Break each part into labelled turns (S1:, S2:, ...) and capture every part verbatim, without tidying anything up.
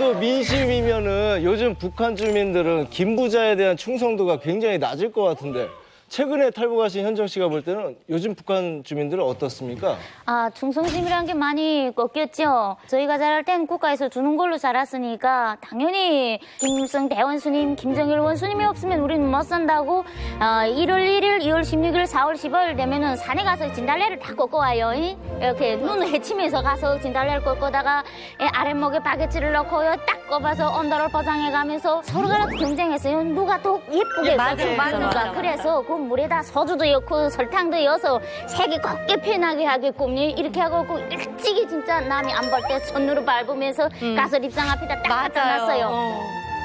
S1: 정도 민심이면은 요즘 북한 주민들은 김 부자에 대한 충성도가 굉장히 낮을 것 같은데 최근에 탈북하신 현정 씨가 볼 때는 요즘 북한 주민들은 어떻습니까?
S2: 아, 충성심이란 게 많이 꺾였죠. 저희가 자랄 땐 국가에서 주는 걸로 자랐으니까 당연히 김일성 대원수님, 김정일 원수님이 없으면 우리는 못 산다고 어, 일월 일일, 이월 십육일, 사월 십오일 되면은 산에 가서 진달래를 다 꺾어 와요. 이? 이렇게 눈을 헤치면서 가서 진달래를 꺾어다가 아랫목에 바게트를 넣고요. 딱 꼽아서 온도를 포장해 가면서 서로가 경쟁했어요. 누가 더 예쁘게
S3: 예, 맞아요.
S2: 꺾을까.
S3: 맞아, 맞아, 맞아.
S2: 그래서 그 물에다 소주도 넣고 설탕도 넣어서 색이 곱게 변하게 하게끔 이렇게 하고 일찍이 진짜 남이 안 볼 때 손으로 밟으면서
S3: 음.
S2: 가서 립상 앞에다 딱 갖다 놨어요.
S3: 어.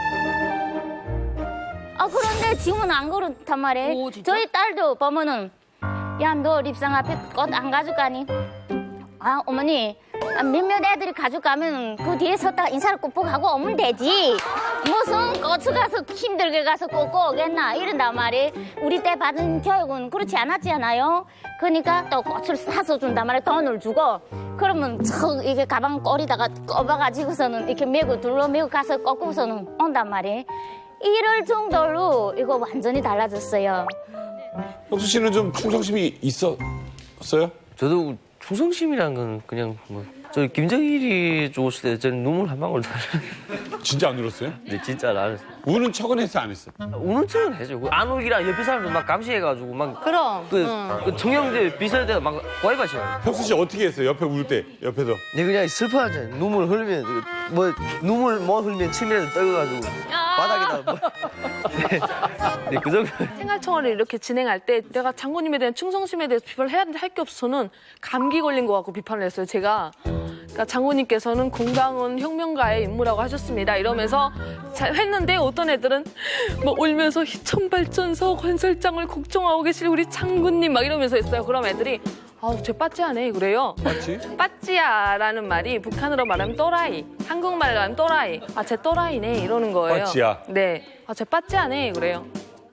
S2: 아 그런데 지금은 안 그렇단 말이에요.
S3: 오, 진짜?
S2: 저희 딸도 보면은 야 너 립상 앞에 꽃 안 가져가니? 아 어머니 몇몇 애들이 가져가면 그 뒤에 섰다가 인사를 꾹꾹 하고 오면 되지. 무슨 고추 가서 힘들게 가서 꽂고 오겠나 이런단 말이에요. 우리 때 받은 교육은 그렇지 않았잖아요. 그러니까 또 고추를 사서 준단 말이에요. 돈을 주고. 그러면 저 이게 가방 꼬리다가 꼽아가지고서는 이렇게 메고 둘러 메고 가서 꺾고서는 온단 말이에요. 이럴 정도로 이거 완전히 달라졌어요.
S4: 혁수 씨는 좀 충성심이 있었어요?
S5: 저도 충성심이란 건 그냥 뭐 저 김정일이 죽었을 때 저는 눈물 한 방울 다
S4: 진짜 안 울었어요?
S5: 네, 진짜 안 했어요.
S4: 우는 척은 했어, 안 했어?
S5: 우는 척은 해죠. 안 울기랑 옆에 사람들 막 감시해가지고 막
S3: 그럼.
S5: 그,
S3: 응.
S5: 그 청영대 비서대가 막 와이바시요.
S4: 혁수 씨 어떻게 했어요? 옆에 울 때, 옆에서.
S5: 네 그냥 슬퍼하잖아요. 눈물 흘리면 뭐 눈물 뭐 흘리면 침이라도 떨어가지고 바닥에다 뭐. 네, 네, 그 정도.
S6: 생활청화를 이렇게 진행할 때 내가 장군님에 대한 충성심에 대해서 비판을 해야 되는데 할 게 없어 저는 감기 걸린 것 같고 비판을 했어요. 제가 그러니까 장군님께서는 공당은 혁명가의 임무라고 하셨습니다. 이러면서 잘 했는데 어떤 애들은 뭐 울면서 희천발전소 건설장을 걱정하고 계실 우리 장군님 막 이러면서 했어요. 그럼 애들이 아우 쟤 빠찌하네 그래요.
S4: 맞지?
S6: 빠찌야라는 말이 북한으로 말하면 또라이, 한국말로 하면 또라이. 아 쟤 또라이네 이러는 거예요.
S4: 빠찌야.
S6: 네. 아 쟤 빠찌하네 그래요.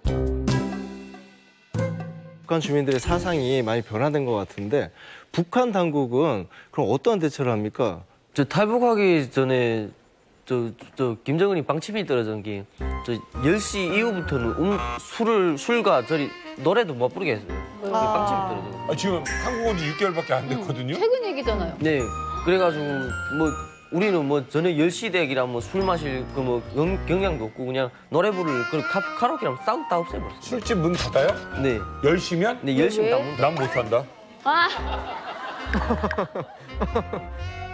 S1: 북한 주민들의 사상이 많이 변화된 것 같은데 북한 당국은 그럼 어떠한 대처를 합니까?
S5: 저 탈북하기 전에 저, 저 김정은이 방침이 떨어진 게 저 열 시 이후부터는 음, 술을 술과 저리 노래도 못 부르게 했어요. 그게 방침이 떨어져.
S4: 아, 지금 한국 온 지 육 개월밖에 안 됐거든요?
S3: 최근 얘기잖아요.
S5: 네, 그래가지고 뭐 우리는 뭐 저녁 열 시 대기라 뭐 술 마실 그 뭐 경향도 없고 그냥 노래 부를 그 카, 카라오케랑 싹 다 없애버렸어요.
S4: 술집 문 닫아요?
S5: 네,
S4: 열 시면?
S5: 네 열심히 다 문.
S4: 난 못 산다.
S2: 와.